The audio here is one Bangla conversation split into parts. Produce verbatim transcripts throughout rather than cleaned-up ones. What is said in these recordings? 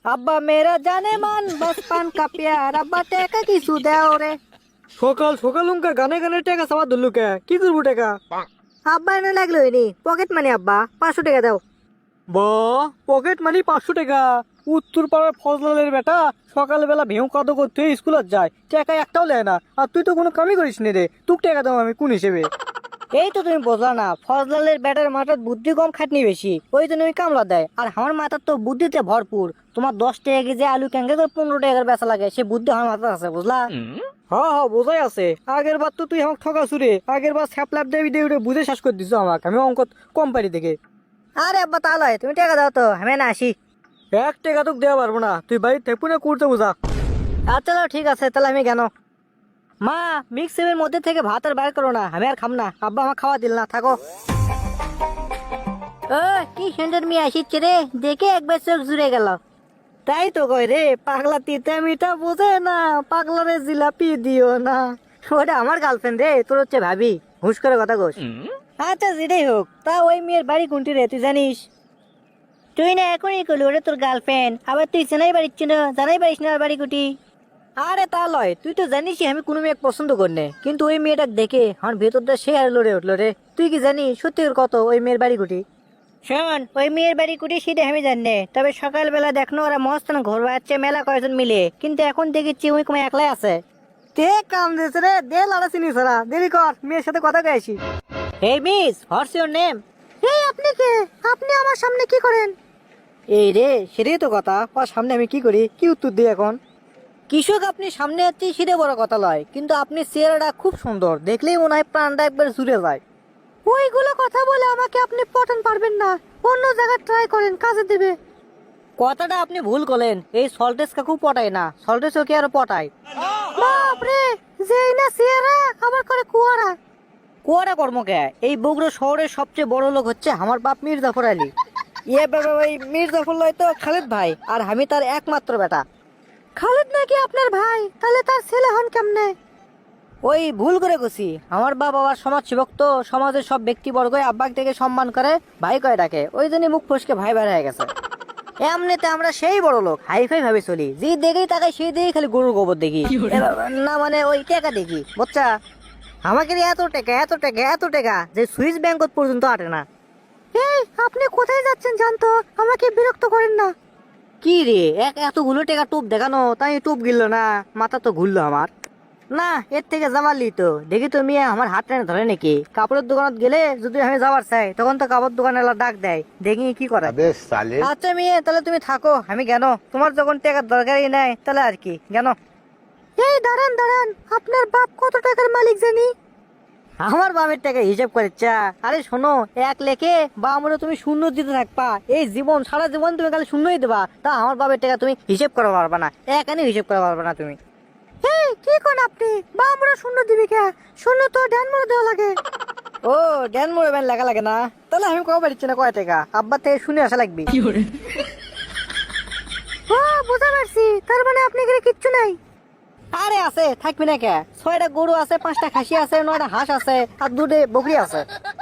আব্বা মেরা জানে মান বাস পান কা প্যার আব্বা টেকা কিছু দেও রে। সকাল সকাল উনকা গানে গানে টাকা সাবা ধরলু কে কি করবো টাকা? আব্বা এনে লাগলো নি পকেট মানি আব্বা পাঁচশো টাকা দাও। বা পকেট মানি পাঁচশো টাকা? উত্তর পাড়ার ফজলালের বেটা সকালবেলা ভেউ কাদো করতে স্কুলত যায়, টাকা একটাও নেয় না। আর তুই তো কোনো কামই করিস নি রে, তুক টাকা দাও আমি কোন হিসেবে? এই তো তুমি বোঝা না, ফজলালের ব্যাটার মাথার বুদ্ধি কম খাটনি বেশি, ওই জন্য ওই কামলা দেয়। আর আমার মাথার তো বুদ্ধিতে ভরপুর। তোমার দশ টাকা কেজি আলু ক্যাঙ্গে করে পনেরো টাকার বেচা লাগে, সে বুদ্ধি আমার মাথায় আছে বুঝলা। হ্যাঁ হ্যাঁ বোঝাই আছে। আগের বার তো তুই আমাকে ঠকাছু রে, আগের বার স্যাপলাপ দেবি দেবি বুঝে শেষ করে দিছো আমাকে, আমি অঙ্ক কম পারি দেখে। আরে আব্বা তাহলে তুমি টাকা দাও তো, আমি না আসি। এক টাকা তোকে দেওয়া পারবো না, তুই বাড়ির থেকে পুনে করতে বোঝা। আচ্ছা তাহলে ঠিক আছে, তাহলে আমি কেন মা মিক্সিমের মধ্যে থেকে ভাত আর বাইর করো না, আমি আর খাম না, আব্বা আমার খাওয়া দিল না, থাকো। ও কি সুন্দর মেয়ে আসিচ্ছে রে, দেখে একবার চোখ জুড়ে গেল। তাই তো কই রে, পাগলা তিতা মিঠা বোঝে না, পাগলা রে জিলাপি দিও না। ওটা আমার গার্লফ্রেন্ড রে, তোর হচ্ছে ভাবি, হুশ করে কথা কোস। আচ্ছা যেটাই হোক, তা ওই মেয়ের বাড়ি কোনটি রে তুই জানিস? তুই না এখনই করলি ওরে তোর গার্লফ্রেন্ড, আবার তুই চেনাই পারিস না, জানাই পারিস না আর বাড়ি কুটি। আরে তা লয়, তুই তো জানিসই আমি কোনো মেয়ে পছন্দ করি না, কিন্তু ওই মেয়েটা দেখে আমার ভেতরটা সে আর লড়ে উঠলো রে। তুই কি জানিস সত্যি কত ওই মেয়ের বাড়ি কুটি? শোন, ওই মেয়ের বাড়ি কুটি সেটা আমি জানি না, তবে সকালবেলা দেখনো ওরা মস্তান ঘর বাড়াচ্ছে মেলা কয়েকজন মিলে, কিন্তু এখন দেখেছি ওই কমে একলাই আছে। তে কাম দিয়েছে রে, দে লাড়া চিনি সারা, দেরি কর মেয়ের সাথে কথা গাইছি। এই মিস, হোয়াটস ইওর নেম? এই আপনি কে? আপনি আমার সামনে কি করেন? এই রে সেটাই তো কথা, ওর সামনে আমি কি করি, কি উত্তর দিই এখন? কৃষক আপনি সামনে আছি সেটা বড় কথা লয়, কিন্তু আপনি চেহারাটা খুব সুন্দর, দেখলেই মনে হয় প্রাণটা একবার জুড়ে যায়। ওইগুলো কথা বলে আমাকে আপনি পটান পারবেন না, অন্য জায়গায় ট্রাই করেন, কাজে দেবে। কথাটা আপনি ভুল করলেন, এই সল্টেস কাকু পটায় না, সল্টেস ওকে আরো পটায়। বাপ রে, যেই না চেহারা আবার করে কুয়ারা। কুয়ারা কর্মকে, এই বগুড়া শহরের সবচেয়ে বড় লোক হচ্ছে আমার বাপ মীর জাফর আলী। ইয়ে বাবা ভাই, মীর জাফর লয় তো খালেদ ভাই, আর আমি তার একমাত্র বেটা। খালেদ নাকি আপনার ভাই? তাহলে তার ছেলে হন কেমনে? ওই ভুল করে গেছি, আমার বাবা আবার সমাজ সেবক তো, সমাজের সব ব্যক্তিবর্গ আব্বাক থেকে সম্মান করে, ভাই কয় ডাকে, ওই জন্য মুখ ফসকে ভাই বের হয়ে গেছে। এমনিতে আমরা সেই বড় লোক, হাইফাই ভাবে চলি, যে দেখেই তাকে সেই দেখেই খালি গরুর গোবর দেখি, এ বাবা, না মানে ওই টাকা দেখি বুঝছা। আমাকে দিয়ে এত টাকা এত টাকা এত টাকা যে সুইস ব্যাংক পর্যন্ত আটে না। এই আপনি কোথায় যাচ্ছেন জানতো, আমাকে বিরক্ত করেন না। কি রে, এক এতগুলো টাকা টোপ দেখানো, তাই টোপ গিললো না, মাথা তো ঘুরলো আমার। না এর থেকে যাবার লি তো দেখি তো মিয়া আমার হাত টেনে ধরে নাকি, কাপড়ের দোকানত গেলে যদি আমি যাবার চাই তখন তো কাপড় দোকানে ডাক দেয়, দেখি কি করে। আচ্ছা মেয়ে তাহলে তুমি থাকো, আমি কেন, তোমার যখন টাকার দরকারই নাই তাহলে আর কি কেন। এই দাঁড়ান দাঁড়ান, আপনার বাপ কত টাকার মালিক জানি? আমার বামের টাকা হিসাব করে চা, আরে শোনো, এক লেখে বা আমরা তুমি শূন্য দিতে থাকবা, এই জীবন সারা জীবন তুমি খালি শূন্যই দেবা, তা আমার বাবের টাকা তুমি হিসেব করা পারবা না, এক আনি হিসেব করা পারবা না তুমি। এই কি কোন আপনি, বা আমরা শূন্য দিবি কে? শূন্য তো ড্যান মরে দেওয়া লাগে। ও ড্যান মোড়ে ব্যান লাগা লাগে না, তাহলে আমি কবে পারছি না কয় টাকা, আব্বার থেকে শুনে আসা লাগবে। ও বুঝতে পারছি, তার মানে আপনি এখানে কিচ্ছু নাই। আরে আছে, থাকবি না কে, ছয়টা গরু আছে, পাঁচটা খাসি আছে, নয়টা হাঁস আছে, আর দুটো বকরি আছে।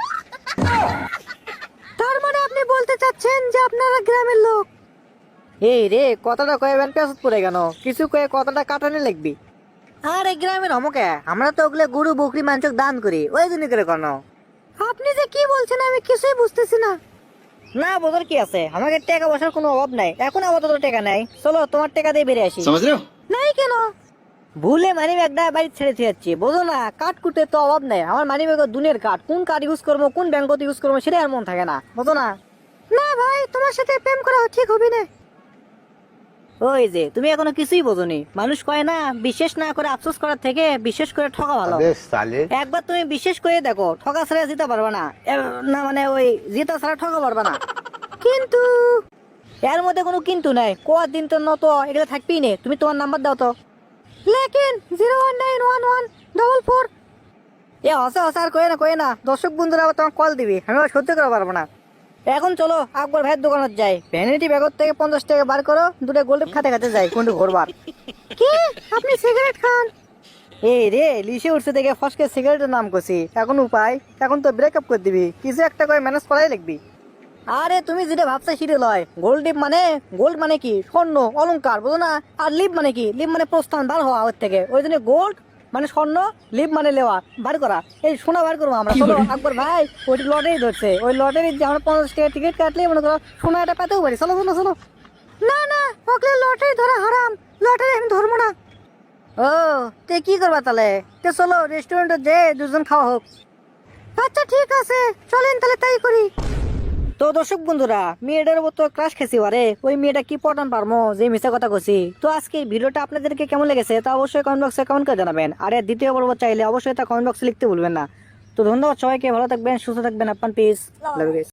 তার মানে আপনি বলতে চাচ্ছেন যে আপনারা গ্রামের লোক? এই রে কতটা কয়ে ব্যান পেঁচত পড়ে কেন, কিছু কয়ে কতটা কাটানে লাগবি। আরে গ্রামের হমকে, আমরা তো ওগুলো গরু বকরি মাংস দান করি, ওই জন্য করে কেন। আপনি যে কি বলছেন আমি কিছুই বুঝতেছি না। না বোঝার কি আছে, আমাকে টাকা পয়সার কোনো অভাব নাই, এখন আপাতত টাকা নাই, চলো তোমার টাকা দিয়ে বেরিয়ে আসি। নাই কেন? ভুলে মানি ব্যাগটা বাড়ি ছেড়ে দিয়ে যাচ্ছি, বোঝো না, কাঠ কুটে তো অভাব নাই, আমার মানি ব্যাগ দুনের কাঠ, কোন কাঠ ইউজ করবো কোন ব্যাংকত ইউজ করবো সেটা আর মন থাকে না, বোঝো না। না ভাই, তোমার সাথে প্রেম করা ঠিক হবে না। ওই যে তুমি এখনো কিছুই বোঝোনি, মানুষ কয় না বিশ্বাস না করে আফসোস করার থেকে বিশ্বাস করে ঠকা ভালো। একবার তুমি বিশ্বাস করে দেখো, ঠকা ছাড়া জিতে পারবে না, এ, না মানে ওই জিতা ছাড়া ঠকা পারবে না। কিন্তু এর মধ্যে কোনো কিন্তু নাই, কোয়ার দিন তো নত এগুলো থাকবেই নে, তুমি তোমার নাম্বার দাও তো। লেকিন zero one nine one one double four. এ হসে হসে আর কয়ে না কয়ে না, দর্শক বন্ধুরা আবার তোমার কল দিবি, আমি আবার সহ্য করতে পারবো না। এখন চলো আকবর ভাইয়ের দোকানত যাই, ভ্যানিটি ব্যাগর থেকে পঞ্চাশ টাকা বার করো, দুটো গোল্ড খাতে খাতে যাই কোনটু ঘোরবার। কি আপনি সিগারেট খান? এই রে লিসে উঠছে দেখে ফসকে সিগারেটের নাম করছি, এখন উপায়, এখন তো ব্রেকআপ করে দিবি, কিছু একটা করে ম্যানেজ করাই লিখবি। আরে তুমি যেটা ভাবছো সেটা লয়। গোল্ড লিপ মানে গোল্ড মানে কি স্বর্ণ অলংকার, বুঝো না? আর লিপ মানে কি, লিপ মানে প্রস্থান বার হওয়া ওর থেকে, ওই জন্য গোল্ড মানে স্বর্ণ, লিপ মানে লেওয়া, বার করা। এই সোনা বার করবো আমরা, চলো আকবর ভাই ওইটি লটারি ধরছে, ওই লটারি যে আমরা পঞ্চাশ টাকা টিকিট কাটলে মনে করো সোনাটা পেতেও পারি। চলো চলো চলো। না না, ওগুলো লটারি ধরা হারাম, লটারি আমি ধরবো না। ও তে কি করবা তাহলে? তে চলো রেস্টুরেন্টে যে দুজন খাওয়া হোক। আচ্ছা ঠিক আছে, চলেন তাহলে তাই করি। তো দর্শক বন্ধুরা, মেয়েটার উপর তো ক্রাশ খেছি আরে, ওই মেয়েটা কি পটান পারমো যে মিথ্যা কথা কছি। তো আজকে এই ভিডিওটা আপনাদেরকে কেমন লেগেছে তা অবশ্যই কমেন্ট বক্সে কমেন্ট করে জানাবেন। আর এর দ্বিতীয় পর্ব চাইলে অবশ্যই তা কমেন্ট বক্সে লিখতে ভুলবেন না। তো ধন্যবাদ সবাইকে, ভালো থাকবেন, সুস্থ থাকবেন, আপনার পিস। Love you guys.